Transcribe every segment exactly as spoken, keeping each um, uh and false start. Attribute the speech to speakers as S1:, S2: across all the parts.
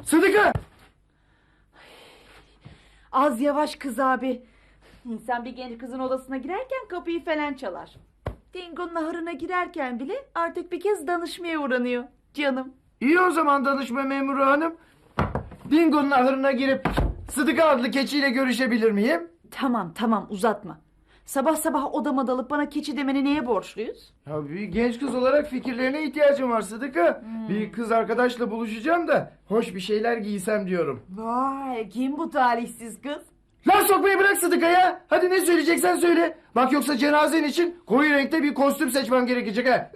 S1: Sıdıka!
S2: Az yavaş kız abi. İnsan bir genç kızın odasına girerken kapıyı falan çalar. Dingo'nun ahırına girerken bile artık bir kez danışmaya uğranıyor canım.
S1: İyi o zaman danışma memuru hanım. Dingo'nun ahırına girip Sıdıka adlı keçiyle görüşebilir miyim?
S2: Tamam tamam uzatma. Sabah sabah odama dalıp bana keçi demeni neye borçluyuz?
S1: Ya bir genç kız olarak fikirlerine ihtiyacım var Sıdıka.
S2: Hmm.
S1: Bir kız arkadaşla buluşacağım da hoş bir şeyler giysem diyorum.
S2: Vay kim bu talihsiz kız?
S1: Laf sokmayı bırak Sıdıka ya. Hadi ne söyleyeceksen söyle. Bak yoksa cenazen için koyu renkte bir kostüm seçmem gerekecek ha.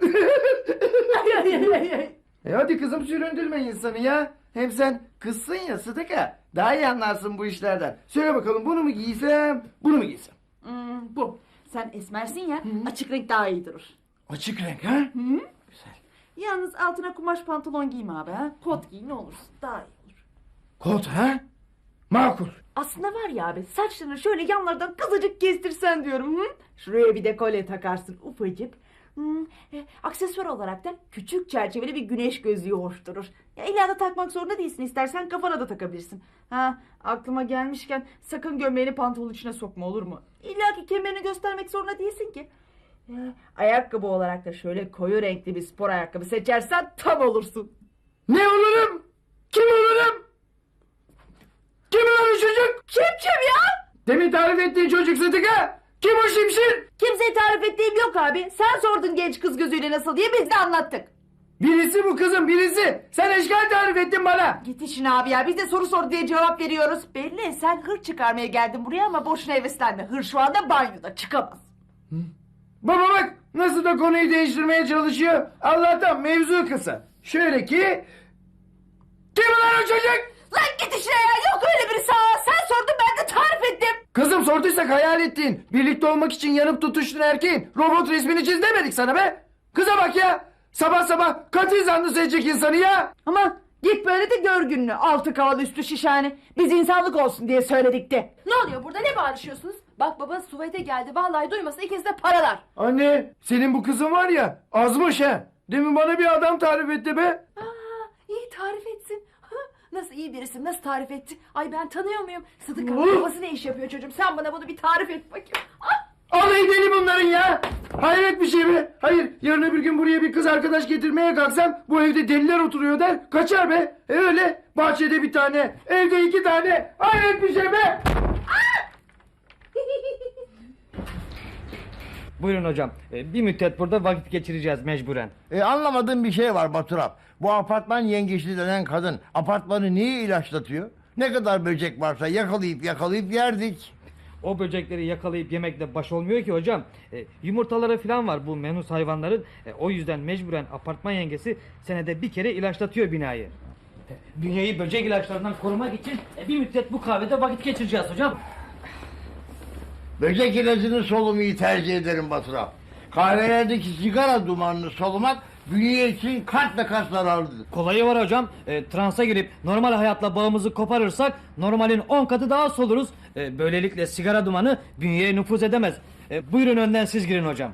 S1: E hadi kızım süründürme insanı ya. Hem sen kızsın ya Sıdıka. Daha iyi anlarsın bu işlerden. Söyle bakalım bunu mu giysem, bunu mu giysem?
S2: Hmm, bu. Sen esmersin ya açık renk daha iyi durur.
S1: Açık renk ha?
S2: Hı?
S1: Güzel.
S2: Yalnız altına kumaş pantolon giyme abi ha. Kot giy ne olursun daha iyi olur.
S1: Kot ha? Makul.
S2: Aslında var ya abi saçlarını şöyle yanlardan kızıcık kestirsen diyorum. Hı? Şuraya bir dekole takarsın ufacık. Hmm, e, aksesuar olarak da küçük çerçeveli bir güneş gözlüğü hoş durur. Ya illa da takmak zorunda değilsin, istersen kafana da takabilirsin. Ha, aklıma gelmişken sakın gömleğini pantolonun içine sokma, olur mu? İlla ki kemerini göstermek zorunda değilsin ki. E, ayakkabı olarak da şöyle koyu renkli bir spor ayakkabı seçersen tam olursun.
S1: Ne olurum? Kim olurum? Kim olan o çocuk?
S2: Kim kim ya?
S1: Demin tarif ettiğin çocuk Sıdıka. Kim o şimşir?
S2: Kimseye tarif ettiğim yok abi. Sen sordun genç kız gözüyle nasıl diye, biz de anlattık.
S1: Birisi bu kızım birisi. Sen eşkal tarif ettin bana.
S2: Git işine abi ya. Biz de soru sor diye cevap veriyoruz. Belli sen hır çıkarmaya geldin buraya ama boşuna heveslenme. Hır şu anda banyoda çıkamaz.
S1: Baba bak nasıl da konuyu değiştirmeye çalışıyor. Allah'tan mevzu kısa. Şöyle ki... Kim lan o çocuk?
S2: Lan git işine ya. Yok öyle birisi ha. Sen sordun ben de tarif ettim.
S1: Kızım sorduysak hayal ettiğin, birlikte olmak için yanıp tutuştuğun erkeğin robot resmini çiz demedik sana be. Kıza bak ya. Sabah sabah katil zanlısı edecek insanı ya.
S2: Ama git böyle de gör gününü. Altı kaval üstü şişhane. Biz insanlık olsun diye söyledik de.
S3: Ne oluyor burada, ne bağırışıyorsunuz? Bak baba Suveyt'e geldi, vallahi duymasın ikiniz de paralar.
S1: Anne senin bu kızın var ya azmış ha. Demin bana bir adam tarif etti be.
S3: Aa, iyi tarif etsin. Ha, nasıl iyi birisi, nasıl tarif etti? Ay ben tanıyor muyum? Sıdıka
S1: Hı?
S3: babası ne iş yapıyor çocuğum? Sen bana bunu bir tarif et bakayım. Ah!
S1: Alayı deli bunların ya. Hayret bir şey be. Hayır yarın öbür gün buraya bir kız arkadaş getirmeye kalksam bu evde deliler oturuyor der kaçar be. E öyle bahçede bir tane evde iki tane hayret bir şey be.
S4: Buyurun hocam. Ee, Bir müddet burada vakit geçireceğiz mecburen.
S5: E, anlamadığım bir şey var Baturap. Bu apartman yengeçli denen kadın apartmanı niye ilaçlatıyor? Ne kadar böcek varsa yakalayıp yakalayıp yerdik.
S4: O böcekleri yakalayıp yemekle baş olmuyor ki hocam. Ee, yumurtaları falan var bu menus hayvanların. Ee, o yüzden mecburen apartman yengesi senede bir kere ilaçlatıyor binayı. Ee, Bünyeyi böcek ilaçlarından korumak için e, bir müddet bu kahvede vakit geçireceğiz hocam.
S5: Böcek ilacını solumayı tercih ederim Baturap. Kahvelerdeki sigara dumanını solumak bünye için kat ve kat zararlıdır.
S4: Kolayı var hocam. Ee, transa girip normal hayatla bağımızı koparırsak normalin on katı daha soluruz. Ee, böylelikle sigara dumanı bünyeye nüfuz edemez. Ee, buyurun önden siz girin hocam.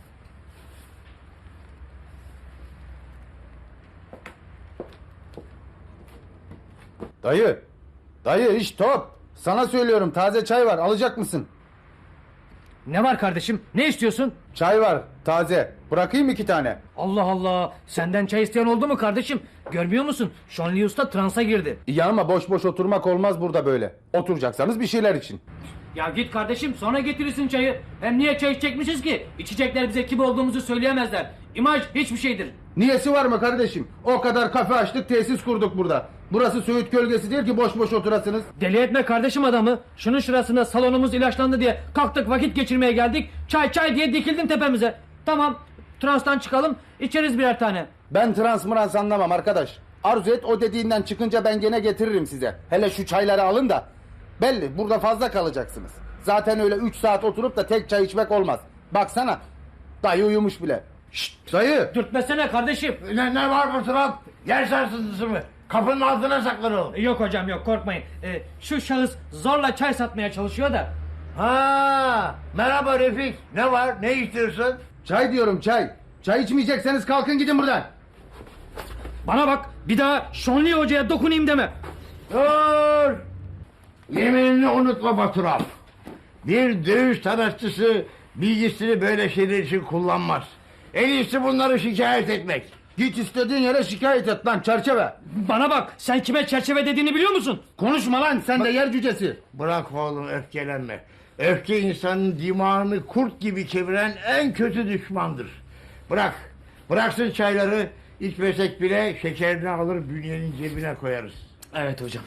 S6: Dayı, dayı iş top. Sana söylüyorum taze çay var alacak mısın?
S4: Ne var kardeşim? Ne istiyorsun?
S6: Çay var taze. Bırakayım iki tane.
S4: Allah Allah. Senden çay isteyen oldu mu kardeşim? Görmüyor musun? Şonli Usta transa girdi.
S6: İyi ama boş boş oturmak olmaz burada böyle. Oturacaksanız bir şeyler için.
S4: Ya git kardeşim sonra getirirsin çayı. Hem niye çay içecekmişiz ki? İçecekler bize kim olduğumuzu söyleyemezler. İmaj hiçbir şeydir.
S6: Niyesi var mı kardeşim? O kadar kafe açtık tesis kurduk burada. Burası Söğüt gölgesi değil ki boş boş oturasınız.
S4: Deli etme kardeşim adamı. Şunun şurasında salonumuz ilaçlandı diye kalktık vakit geçirmeye geldik. Çay çay diye dikildin tepemize. Tamam transtan çıkalım içeriz birer tane.
S6: Ben trans mırans anlamam arkadaş. Arzu et o dediğinden çıkınca ben gene getiririm size. Hele şu çayları alın da. Belli burada fazla kalacaksınız. Zaten öyle üç saat oturup da tek çay içmek olmaz. Baksana dayı uyumuş bile. Şşt dayı.
S4: Dürtmesene kardeşim.
S5: Ne, ne var Baturap? Yer sarsıntısı mı? Kapının altına saklanalım.
S4: Yok hocam yok korkmayın. Ee, şu şahıs zorla çay satmaya çalışıyor da.
S5: Ha, merhaba Refik. Ne var? Ne istiyorsun?
S6: Çay diyorum çay. Çay içmeyecekseniz kalkın gidin buradan.
S4: Bana bak bir daha Şonli Hoca'ya dokunayım deme.
S5: Dur! Yeminini unutma Baturap. Bir dövüş sanatçısı bilgisini böyle şeyler için kullanmaz. En iyisi bunları şikayet etmek.
S6: Git istediğin yere şikayet et lan çerçeve.
S4: Bana bak, sen kime çerçeve dediğini biliyor musun?
S6: Konuşma lan sen de yer cücesi.
S5: Bırak oğlum, öfkelenme. Öfke insanın dimağını kurt gibi çeviren en kötü düşmandır. Bırak. Bıraksın çayları. İçmesek bile şekerini alır bünyenin cebine koyarız.
S4: Evet hocam.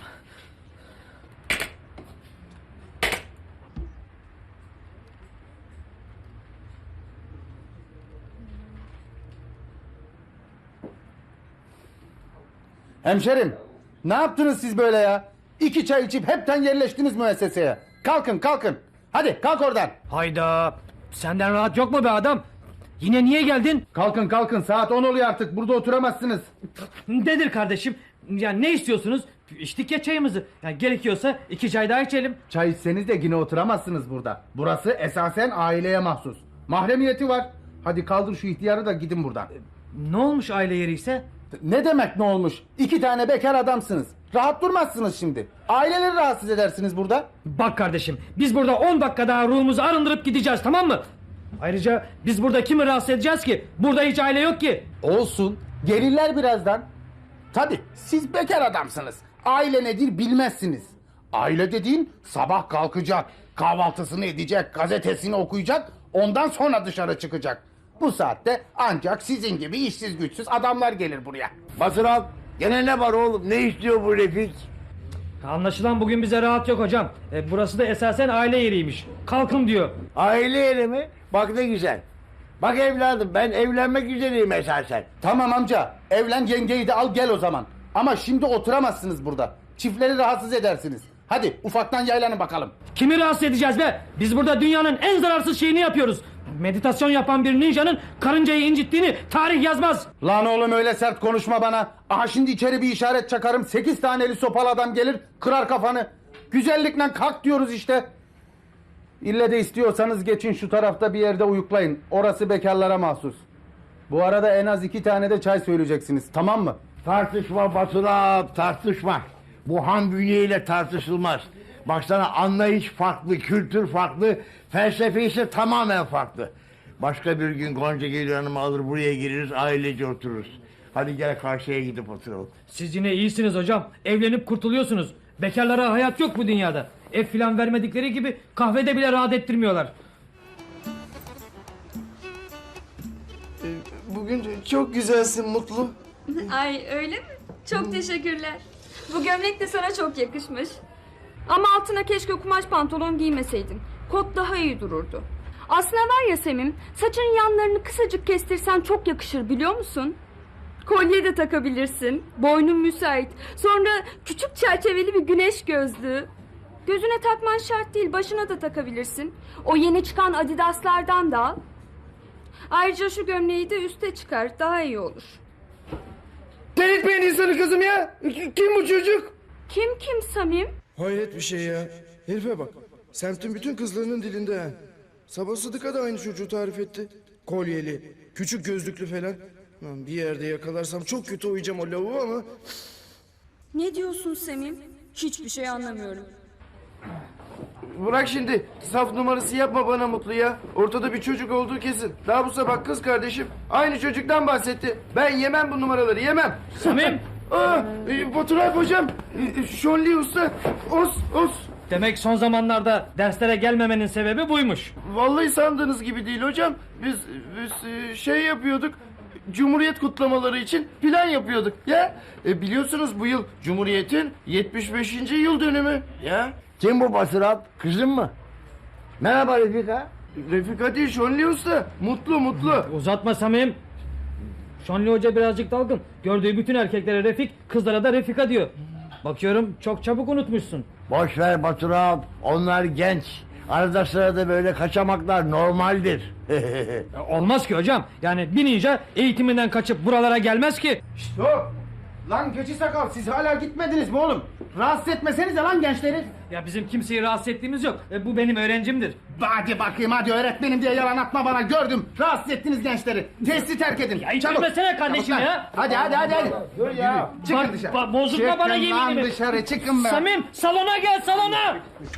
S6: Hemşerim ne yaptınız siz böyle ya? İki çay içip hepten yerleştiniz müesseseye. Kalkın kalkın. Hadi kalk oradan.
S4: Hayda. Senden rahat yok mu be adam? Yine niye geldin?
S6: Kalkın kalkın saat on oluyor artık burada oturamazsınız.
S4: Nedir kardeşim? Ya ne istiyorsunuz? İçtik ya çayımızı. Ya gerekiyorsa iki çay daha içelim.
S6: Çay içseniz de yine oturamazsınız burada. Burası esasen aileye mahsus. Mahremiyeti var. Hadi kaldır şu ihtiyarı da gidin buradan.
S4: Ne olmuş aile yeri ise?
S6: Ne demek ne olmuş? İki tane bekar adamsınız. Rahat durmazsınız şimdi. Aileleri rahatsız edersiniz burada.
S4: Bak kardeşim, biz burada on dakika daha ruhumuzu arındırıp gideceğiz, tamam mı? Ayrıca biz burada kimi rahatsız edeceğiz ki? Burada hiç aile yok ki.
S6: Olsun. Gelirler birazdan. Tabii siz bekar adamsınız. Aile nedir bilmezsiniz. Aile dediğin sabah kalkacak, kahvaltısını edecek, gazetesini okuyacak, ondan sonra dışarı çıkacak. Bu saatte ancak sizin gibi işsiz güçsüz adamlar gelir buraya.
S5: Baturap, gene ne var oğlum? Ne istiyor bu Refik?
S4: Anlaşılan bugün bize rahat yok hocam. E, burası da esasen aile yeriymiş. Kalkın diyor.
S5: Aile yeri mi? Bak ne güzel. Bak evladım, ben evlenmek üzereyim esasen.
S6: Tamam amca, evlen yengeyi de al gel o zaman. Ama şimdi oturamazsınız burada. Çiftleri rahatsız edersiniz. Hadi ufaktan yaylanın bakalım.
S4: Kimi rahatsız edeceğiz be? Biz burada dünyanın en zararsız şeyini yapıyoruz. Meditasyon yapan bir ninjanın karıncayı incittiğini tarih yazmaz.
S6: Lan oğlum öyle sert konuşma bana. Aha şimdi içeri bir işaret çakarım. Sekiz taneli sopalı adam gelir kırar kafanı. Güzellikle kalk diyoruz işte. İlle de istiyorsanız geçin şu tarafta bir yerde uyuklayın. Orası bekarlara mahsus. Bu arada en az iki tane de çay söyleyeceksiniz, tamam mı?
S5: Tartışma Baturap, tartışma. Bu han bünyeyle tartışılmaz. Baksana, anlayış farklı, kültür farklı, felsefe ise tamamen farklı. Başka bir gün Gonca gelir hanımı alır buraya gireriz, ailece otururuz. Hadi gel karşıya gidip oturalım.
S4: Siz yine iyisiniz hocam. Evlenip kurtuluyorsunuz. Bekarlara hayat yok bu dünyada. Ev filan vermedikleri gibi kahvede bile rahat ettirmiyorlar.
S1: Bugün çok güzelsin Mutlu.
S7: Ay öyle mi? Çok teşekkürler. Bu gömlek de sana çok yakışmış. Ama altına keşke kumaş pantolon giymeseydin. Kot daha iyi dururdu. Aslında var ya Semim, saçının yanlarını kısacık kestirsen çok yakışır biliyor musun? Kolye de takabilirsin. Boynun müsait. Sonra küçük çerçeveli bir güneş gözlüğü. Gözüne takman şart değil, başına da takabilirsin. O yeni çıkan Adidas'lardan da al. Ayrıca şu gömleği de üste çıkar, daha iyi olur.
S1: Delirtmeyin insanı kızım ya. Kim bu çocuk?
S7: Kim kim Samim?
S8: Hayret bir şey ya. Herife bak. Semtin bütün kızlarının dilinde ha. Sabah Sıdık'a da aynı çocuğu tarif etti. Kolyeli, küçük gözlüklü falan. Lan bir yerde yakalarsam çok kötü uyuyacağım o lavuğu ama...
S7: Ne diyorsun Semim? Hiçbir şey anlamıyorum.
S1: Bırak şimdi. Saf numarası yapma bana Mutlu ya. Ortada bir çocuk olduğu kesin. Daha bu sabah kız kardeşim aynı çocuktan bahsetti. Ben yemem bu numaraları, yemem.
S4: Samim!
S1: Aa, e, Baturay hocam. E, Şonli usta. Os, os.
S4: Demek son zamanlarda derslere gelmemenin sebebi buymuş.
S1: Vallahi sandığınız gibi değil hocam. Biz, biz e, şey yapıyorduk. Cumhuriyet kutlamaları için plan yapıyorduk ya. E, biliyorsunuz bu yıl Cumhuriyet'in yetmiş beşinci yıl dönümü ya.
S5: Kim bu Baturap? Kızın mı? Merhaba Refika.
S1: Refika değil Şonli usta. Mutlu mutlu.
S4: Uzatma Samim. Şanlı Hoca birazcık dalgın. Gördüğü bütün erkeklere Refik, kızlara da Refika diyor. Bakıyorum çok çabuk unutmuşsun.
S5: Boş ver Baturap. Onlar genç. Arada sırada böyle kaçamaklar normaldir.
S4: Ya olmaz ki hocam. Yani bir ninja eğitiminden kaçıp buralara gelmez ki.
S1: Hop.
S6: Lan keçi sakal siz hala gitmediniz mi oğlum? Rahatsız etmesenize lan gençleri.
S4: Ya bizim kimseyi rahatsız ettiğimiz yok. E, bu benim öğrencimdir.
S6: Hadi bakayım hadi öğretmenim diye yalan atma bana gördüm. Rahatsız ettiniz gençleri. Tesisi terk edin.
S4: Ya hiç bilmesene kardeşim
S6: Çabuk lan.
S4: ya.
S6: Hadi hadi hadi. hadi. Dur ya. Çıkın
S4: Bak,
S6: dışarı.
S4: bak, bozulma
S6: Çıkın
S4: bana
S6: lan
S4: yeminimi.
S6: dışarı çıkın be.
S4: Samim salona gel salona.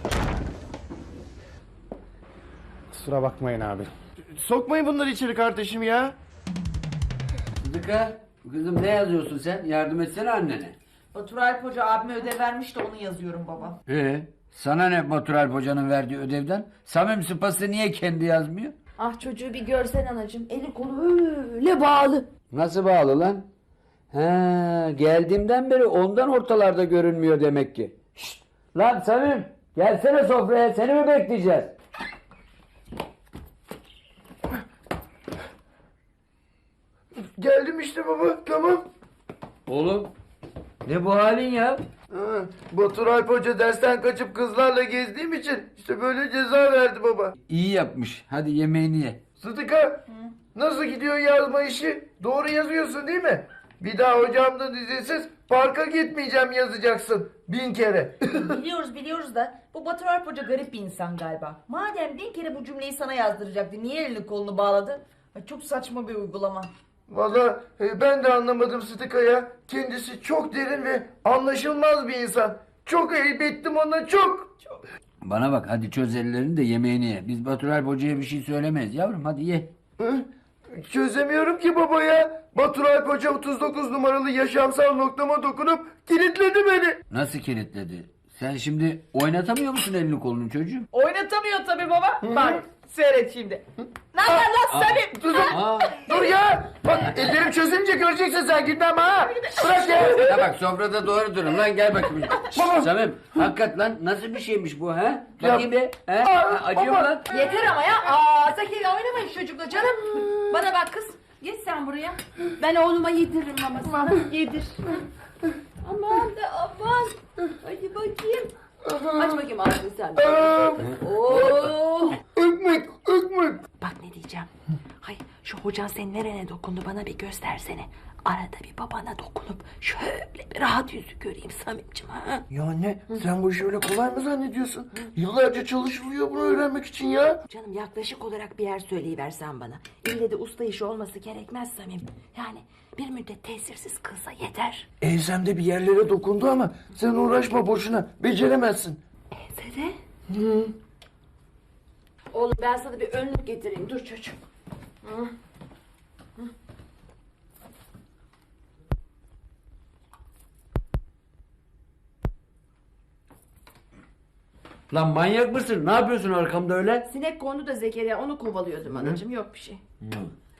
S6: Kusura bakmayın abi.
S1: Sokmayın bunları içeri kardeşim ya.
S9: Sıdıka, kızım ne yazıyorsun sen? Yardım etsene annene.
S2: Batur Alp Hoca abime ödev vermiş de onu yazıyorum baba.
S9: Ee, sana ne Batur Alp Hoca'nın verdiği ödevden? Samim Sıpası niye kendi yazmıyor?
S3: Ah çocuğu bir görsen anacığım. Eli kolu öyle bağlı.
S9: Nasıl bağlı lan? He, geldiğimden beri ondan ortalarda görünmüyor demek ki. Şşt, lan Samim, gelsene sofraya, seni mi bekleyeceğiz?
S1: Geldim işte baba, tamam.
S9: Oğlum, ne bu halin ya?
S1: Ha, Batur Alp Hoca dersten kaçıp kızlarla gezdiğim için işte böyle ceza verdi baba.
S9: İyi yapmış, hadi yemeğini ye.
S1: Sıdıka, nasıl gidiyor yazma işi? Doğru yazıyorsun değil mi? Bir daha hocamdan izinsiz parka gitmeyeceğim yazacaksın bin kere.
S2: Biliyoruz biliyoruz da bu Batur Alp Hoca garip bir insan galiba. Madem bin kere bu cümleyi sana yazdıracaktı niye elini kolunu bağladı? Ay, çok saçma bir uygulama.
S1: Valla e, ben de anlamadım Sıdıka ya. Kendisi çok derin ve anlaşılmaz bir insan. Çok ayıp ettim ona çok.
S9: Bana bak, hadi çöz ellerini de yemeğini ye. Biz Batur Alp Hoca'ya bir şey söylemeyiz yavrum, hadi ye.
S1: Hı? Çözemiyorum ki baba ya. Batur Alp Hoca otuz dokuz numaralı yaşamsal noktama dokunup kilitledi beni.
S9: Nasıl kilitledi? Sen şimdi oynatamıyor musun elini kolunu çocuğum?
S2: Oynatamıyor tabii baba. Bak seyret şimdi. Ne haber lan Samim?
S1: Dur,
S9: Aa,
S1: dur ya. Bak ellerim çözünce göreceksin sen gitmem ha. Bırak ya.
S9: ya bak sofrada doğru durun lan, gel bakayım. Samim, hakikat lan nasıl bir şeymiş bu ha? Bakayım bir. He? Ha, acıyor mu lan?
S3: Yeter ama ya. Aa Zakir oynamayın çocukla canım. Bana bak kız. Geç sen buraya. Ben oğluma yediririm mamasını. Yedir. Aman da aman. Hadi bakayım. Aç bakayım ağzını sen. Oo.
S1: Ökmek, ökmek.
S3: Bak ne diyeceğim. Hay şu hocan senin nerene dokundu bana bir göstersene. Arada bir babana dokunup şöyle bir rahat yüzü göreyim Samimciğim ha.
S1: Ya anne sen bu işi öyle kolay mı zannediyorsun? Yıllarca çalışılıyor bunu öğrenmek için ya.
S3: Canım yaklaşık olarak bir yer söyleyiversen bana. İlle de usta işi olması gerekmez Samim. Yani bir müddet tesirsiz kılsa yeter.
S1: Enzemde bir yerlere dokundu ama sen uğraşma boşuna. Beceremezsin.
S3: Ensede? Hı. Oğlum ben sana bir önlük getireyim. Dur çocuğum. Hı.
S9: Lan manyak mısın? Ne yapıyorsun arkamda öyle?
S3: Sinek kondu da Zekeriya onu kovalıyordum anacığım yok bir şey.